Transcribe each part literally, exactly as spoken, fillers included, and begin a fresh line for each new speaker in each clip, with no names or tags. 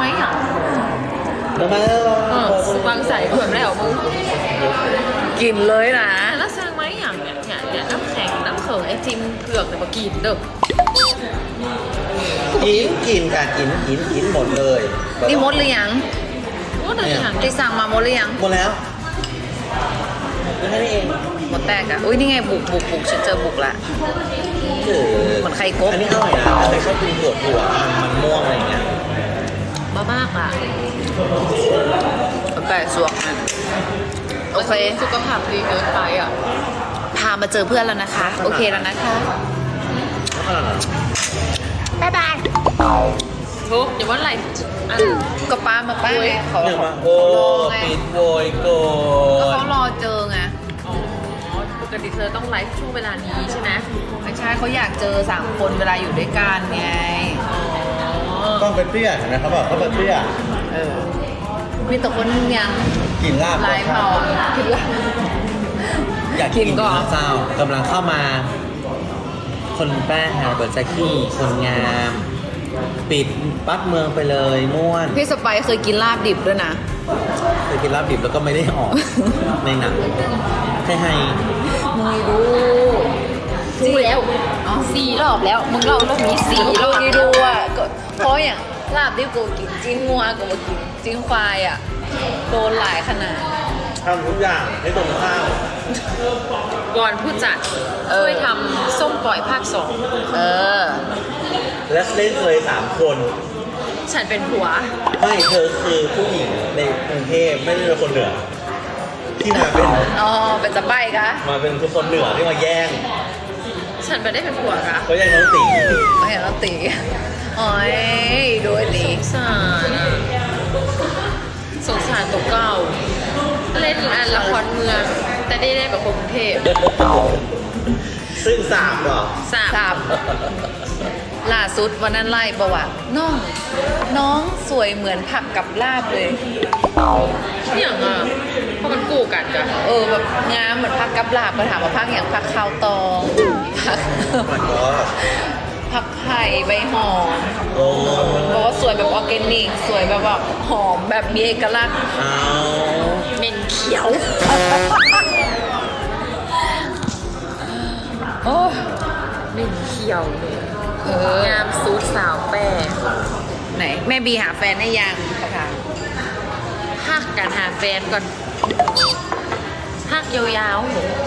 ไหมอ่ะ
ทำไมเอ
เออ
อ
วางใส่เผื่อแล้วมึง
กินเลยนะ
แล้วสร้างไหมอย่างเนี่ยเนี่ยเนี่ยน้ำแข็งน้ำเขิงไอติมเผือกเนี่ยมากินเด้อ
กินกินค่ะกินกินกินหมดเลย
นี่มดหรือยัง
โอ้แต่อย่าง
ที่สั่งมาหมดหรือยัง
หมดแล้วแค่นี้เอง
หมดแตกอะอุ้ยนี่ไงบุกบุกบุกฉันเจอบุกละ
เออ
เหมือนไข่กบ
อันนี้อร่อยนะใครชอบกินถั่วถั่วมันมันม่วงอะไรอย่างเงี้ย
บ้ามากอ่ะ
ไก่สวกนะโอเค
สุขภาพดีเกินไปอ่ะ
พามาเจอเพื่อนแล้วนะคะ โอเคแล้วนะคะ บ๊ายบาย
ทุกอย่าว่าไหลอัน
ก็ป้ามาป้าไงเขา
เนี่ย
เขา
มาโอ้
รอไง
ปิดโวย โก
ก็
ย
เขารอเจอไง
อ๋อปกติเธอต้องไลฟ์ช่วงเวลานี้ใช่ไหม
ไม่ใช่เขาอยากเจอสามคนเวลาอยู่ด้วยกันไง
อ๋อ
ต้องเป็นเปรี้ยเห็นไหมเขาบอกเขาเป็นเปรี้ย
เออมีแต่คนยัง
กินลาบ
ไลฟ์เผาคิดว่า
อยาก
กิ
กิน
นก่อน
เจ้ากำลังเข้ามา คนแป้งฮาเบิร์ตแจ็คกี้คนงาม ปิดปั๊บเมืองไปเลยม่วน
พี่สไปซ์เคยกินลาบดิบด้วยนะ
เคยกินลาบดิบแล้วก็ไม่ได้ออก ในหนังใช่ให้
มึงดู
ดูแล้วสี่รอบแล้ว มึงเล่ารอบนี้สี่
มึง
ร
ดู
อบ
ดีดูอ่ะก็เพราะอย่างลาบดิบกูกินจิ้นงัวกูมากินจิ้นควายอ่ะโดนหลายขนาด
ทำทุกอย่างให้ตรงข้าม
ก่อนผู้จัด
เออ
ช่วยทำส้มปล่อยภาคสอง
เออ
และเล่นเคยสามคน
ฉันเป็นผัว
ไม่เธอคือผู้หญิงในกรุงเทพไม่ได้เป็นคนเหนือ ที่มาเป็น
อ๋อ เป็นสไปซ์กะ
มาเป็นคนเหนือที่มาแย่ง
ฉันไม่ได้เป็นผัวค่ะ
เขาแย่งน้องตี
ไม่เห็นเราตีโอ้ยดูไอ้ตี
สงสารอะสงสารตัวเก่า เล่นอันละครเมือง แต่ได้ได้แบบคนกรุงเทพ
ซึ่งสามเหรอ
สาม
สามล่าสุดวันนั้นไล่ประวัติน้อง น้องสวยเหมือนผักกับลาบเลย
อย่างอ่ะเพราะมันกู้กันจ้ะ
เออแบบงามเหมือนผักกับลาบก็ถามว่าผักอย่างผักข้าวตองผัก
มันก็
ผักไผ่ใบหอม
โอ้
บอกว่าสวยแบบออร์แกนิก สวยแบบว่าหอมแบบมีเอกลักษณ์
เอา
เมนเขียว
โอ้ย
เมนเขียวเลย
เออ
งามซูดสาวแป้
ไหน แม่บีหาแฟนได้ยังเขาถาม
พักกันหาแฟนก่อนพักยาว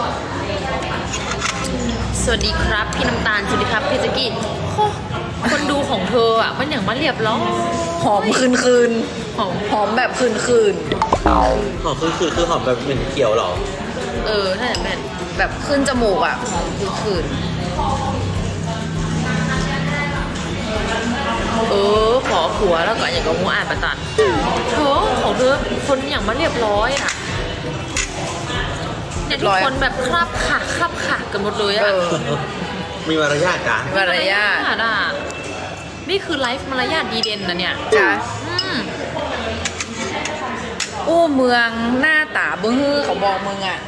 ๆ สวัสดีครับ พี่น้ำตาล สวัสดีครับ พี่แจ๊กกี้โอ้คนดูของเธออ่ะ มันอย่างมาเรียบร้อย
หอมคืนคืนหอมหอมแบบคืนคืน
หอมคือคือคือหอมแบบเหม็นเขียวเหรอ
เออ ถ้าอย่างนั้น
แบบขึ้นจมูกอ่ะหอมคืนคืน
เออ ขอผัวแล้วก็อย่างกับงูอ่านประตันเธอของเธอคนอย่างมาเรียบร้อยอ่ะเนี่ยทุกคนแบบคราบขาคราบขากันหมดเลย
เอ
อ่ะ
อ
มีมารยาทกัน
มีมารยาท
อ่ะนี่คือไลฟ์มารยาทดีเด่นนะเนี่ย
จ้ะ
อืม
อู้เมืองหน้าตาบื้อเขาบอกมึงอ่ะ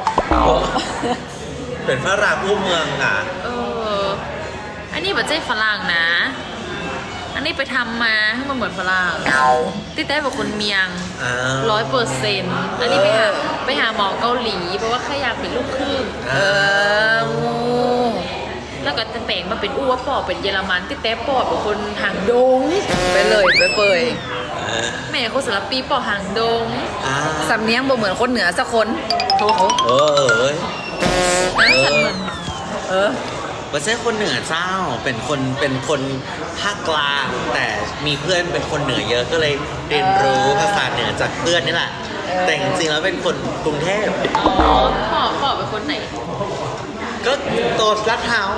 เป็นพระรามอู้เมืองอ่ะ
เออ อันนี้แบบเจ๊ฝรั่งนะ อันนี้ไปทำมาให้มันเหมือนฝรั่งติดได้แบบคนเมียง
อ้าว
ร้อยเปอร์เซ็นต์อันนี้ไปหาไปหาหมอเกาหลีเพราะว่าแค่อยากเป็นลูกครึ่ง
เอองู
แล้วก็จะแปลงมาเป็นอู้ว่าปอเป็นเยอรมันติดแต่ปอเป็นคนหางดง
ไปเลยไปเปย
แม่คนสารปีปอหางดง
อ้าว
สำเนียงบ่เหมือนคนเหนือสักคนโอ้โห
เออเอ้ย
นั่นฉันเหมือน
เออ
ไม่ใช่คนเหนือเจ้า เป็นคนเป็นคนภาคกลาง แต่มีเพื่อนเป็นคนเหนือเยอะก็เลยเรียนรู้ภาษาเหนือจากเพื่อนนี่แหละ แต่จริงๆแล้วเป็นคนกรุงเทพ
อ๋อปอปอเป็นคนไหน
ก็โตลาดพร้าว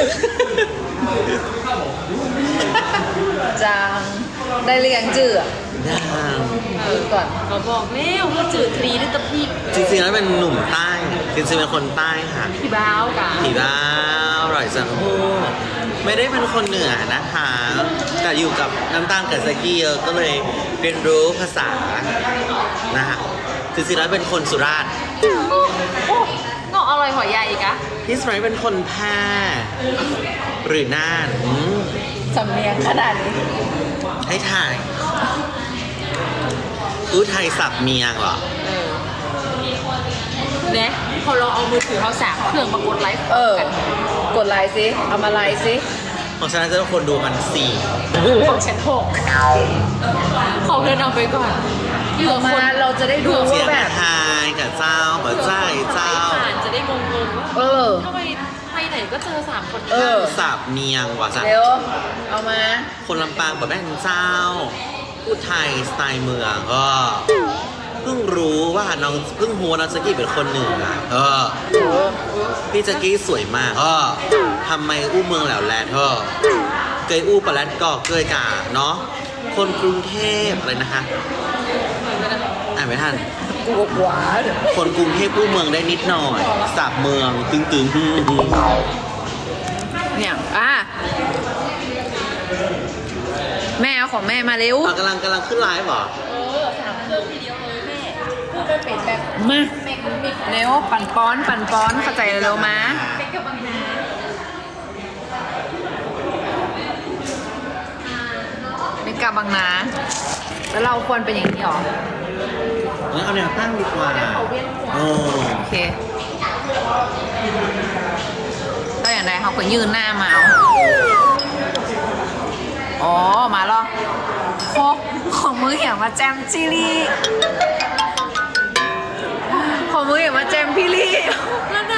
จางได้เรียงจื่ออะ
ย่าง
เออก่อน
เขาบอกแล้วว่าจืดทรีหรือตะพี
จริงๆแล้วเป็นหนุ่มใต้ จริงๆเป็นคนใต้ค่ะ
พี่บ้าวกะ
ผีบ้าอร่อยจังโอ้ไม่ได้เป็นคนเหนือนะคะ แต่อยู่กับน้ำตาลกับสกี้เยอะก็เลยเรียนรู้ภาษานะฮะจริงๆแล้วเป็นคนสุราษฎร์
โอ้โอ้เงาะอร่อยหอยใหญ่อีกอะ
พี่สไปร์เป็นคนแพร่หรือน่านอืม
สำเนียงขนาดนี้
ให้ถ่ายอู้ไทยสับเมียงเหรอ
เออ
เนี่ยพอเราเอามือถือเขาสามเครื่องมากดไลฟ์
เออ
กัน
กดไลค์สิเอามาไลค์สิ
ของฉันจะต้องคนดูมันสี่
ของฉันหกเขาเดินเอาไปก่อนที่เหลือ
มา
คน
เราจะได้ดู
เสีย
ว่าง แบบ
ไทยกับเจ้ากับใจเจ้า
ผ่านจะได้งงๆว่า
เออ
ทำไมไปไหนก็เจอสามคน
เออ
สับเมียงว่ะจ้ะ
เร็ว เอามา
คนลำปางแบบแม่นเจ้าอู้ไทยสไตล์เมืองก็เพิ่งรู้ว่าน้องเพิ่งหัวน้องแจ็กกี้เป็นคนเหนือเออ
เออ
พี่แจ็กกี้สวยมากก็ทำไมอู้เมืองแหล้วแลเธอเกยอู้ปะแลดกอกเกยกาเนาะคนกรุงเทพอะไรนะคะอ่านไม่ทัน
กูกหวาน
คนกรุงเทพอู้เมืองได้นิดหน่อยสับเมืองตึงตึงฮึ่มฮึ่ม
เนี่ยอ่ะแม่เอาของแม่มาเร็ว
อ่ะกำลังกำลังขึ้นไลฟ์เหรอ
เออสามเครื่องทีเดียวเลยแม่พูดไปเป็นแบบ
มาเร็วปั่นป้อนปั่นป้อนเข้าใจเร็วมา
เป็นกับบางนา
ไม่กลับบางนาแล้วเราควรเป็นอย่างนี้หรอ
งั้นเอาแนวตั้งดีกว่าโอ้
โอเคก็อย่างไรเขาก็ยืนหน้ามาเอาอ๋อ มาแล้วโคของมือเหี่ยวมาแจมจิลี่ของมือเหี่ยวมาแจมพี่ลี่
แล้ว